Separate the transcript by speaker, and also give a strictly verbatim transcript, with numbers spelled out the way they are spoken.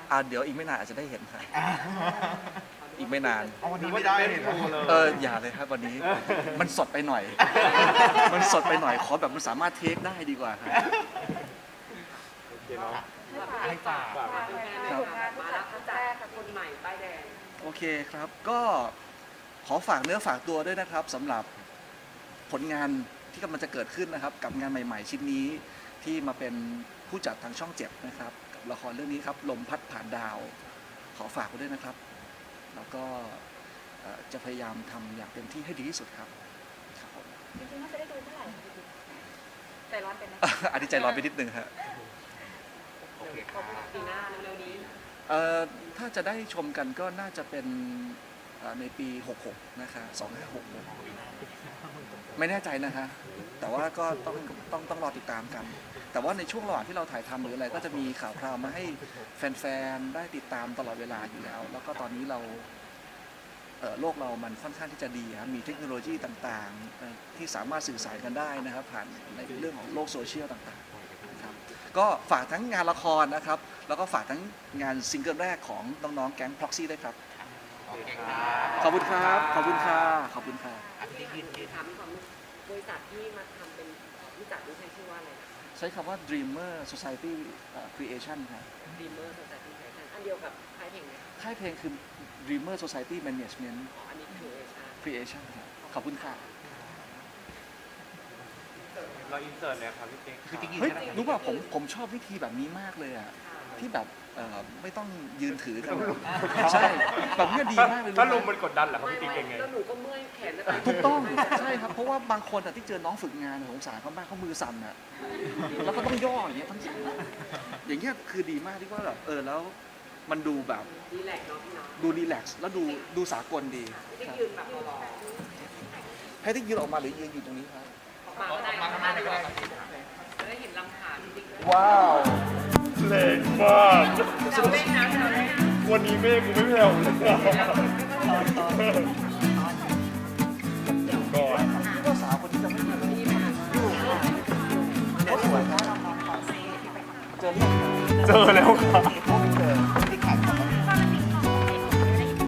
Speaker 1: อ่าเดี๋ยวอีกไม่นานอาจจะได้เห็นครับอีกไม่นาน
Speaker 2: เอาวันนี้ไม่ได้เลย
Speaker 1: เอออย่าเลยครับวันนี้มันสดไปหน่อย มันสดไปหน่อยขอแบบมันสามารถเทคได้ดีกว่าครับ
Speaker 2: โอเคเนาะ
Speaker 3: ให้ฝาก
Speaker 2: ฝาก
Speaker 1: ครับ
Speaker 3: มาแล้วครั้งแรกค่ะคนใหม่ป้ายแดง
Speaker 1: โอเคครับก็ขอฝากเนื้อฝากตัวด้วยนะครับสำหรับผลงานที่กำลังจะเกิดขึ้นนะครับ กับงานใหม่ ๆ ชิ้นนี้ที่มาเป็นผู้จัดทางช่องเจ็ดนะครับกับละครเรื่องนี้ครับลมพัดผ่านดาว ขอฝากไว้ด้วยนะครับ แล้วก็เอ่อจะพยายามทำอย่างเต็มที่ให้ดีที่สุดครับครับผม
Speaker 4: จริงๆน่าจะได้ดูเมื่อไหร่คะพี่ติ๊กใจร้อนเป็นไหม
Speaker 1: อันนี้ใจร้อนไปนิดนึงฮะ
Speaker 3: โอเคครับปีหน้าเร็วๆนี้
Speaker 1: เอ่อถ้าจะได้ชมกันก็น่าจะเป็นเอ่อในปี หกหก นะคะสองห้าหกหกไม่แน่ใจนะคะแต่ว่าก็ต้องต้องต้องรอติดตามกัน แต่ว่าในช่วงระหว่างที่เราถ่ายทำหรืออะไรก็จะมีข่าวคราวมาให้แฟนๆได้ติดตามตลอดเวลาอยู่แล้ว แล้วก็ตอนนี้เราเอ่อโลกเรามันค่อนข้างที่จะดีครับมีเทคโนโลยีต่างๆเอ่อที่สามารถสื่อสารกันได้นะครับผ่านในเรื่องของโลกโซเชียลต่างๆนะครับก็ฝากทั้งงานละครนะครับแล้วก็ฝากทั้งงานซิงเกิลแรกของน้องๆแก๊ง Proxy ด้วยครับ
Speaker 2: โอเคครับ
Speaker 1: ขอบคุณครับขอบคุณค่ะขอบคุณค่ะ
Speaker 3: ถามความบริษัทที่มาทำเป็นผู้จัดนี่ใช้ชื่อว่าอะไรนะ
Speaker 1: ใช้คำว่า Dreamer Society เอ่อ Creation ครับ
Speaker 3: Dreamer Society Creation อันเดียวกับค่ายเพลงไหม
Speaker 1: ค่ายเพลงคือ Dreamer Society Management
Speaker 3: อ๋ออันนี้คือเอชา
Speaker 1: Creation ครับขอบคุณค่ะ
Speaker 2: เราอินเสิร์ตเลยครับพี่ติ๊กพี่ติ๊ก
Speaker 1: เฮ้ยรู้ป่ะผมผมชอบวิธีแบบนี้มากเลยอ่ะที่แบบเอ่อไม่ต้องยืนถือกันใช่แบบนี้ดีมากเลย
Speaker 2: ถ้าล
Speaker 1: รู้
Speaker 2: ม
Speaker 1: ไหม
Speaker 2: มันกดดันเหรอครับ
Speaker 3: ไม่
Speaker 2: พี่ติ๊ก
Speaker 3: ไม่
Speaker 2: เป็นไง
Speaker 3: แล้วหนูก็เมื่อยแขนจะ
Speaker 1: ถูกต้องใช่ครับเพราะว่าบางคนอะที่เจอน้องฝึกงานสงสารเขามากเขามือสั่นอ่ะแล้วก็ต้องย่ออย่างเงี้ยทั้งอย่างเงี้ยคือดีมากที่ว่าแบบเออแล้วมันดูแบบ
Speaker 3: ดีแลกเนาะพี่เนาะ
Speaker 1: ดูรีแลกซ์แล้วดูดูสากลดี
Speaker 3: ที่
Speaker 1: ครับ
Speaker 3: ยืนแบบรอ
Speaker 1: ให้ที่ยืนออกมาหรือยืนอยู่ตรงนี้ครับ
Speaker 3: ออกมาก็ได้ออกมาก็ได้จะได้เห็นลำขาพี่ติ๊กด้วย
Speaker 1: ว้าว
Speaker 2: แรงมาก
Speaker 3: เราเล่นนะเราเล่นนะ
Speaker 2: วันนี้เมฆกูไม่แผ่วเลยก่อน
Speaker 1: คิดว่าสาวคนนี้จะไม่มีอยู่เขาสวยครับเจอเรื่อง
Speaker 2: เจอแล้วครับ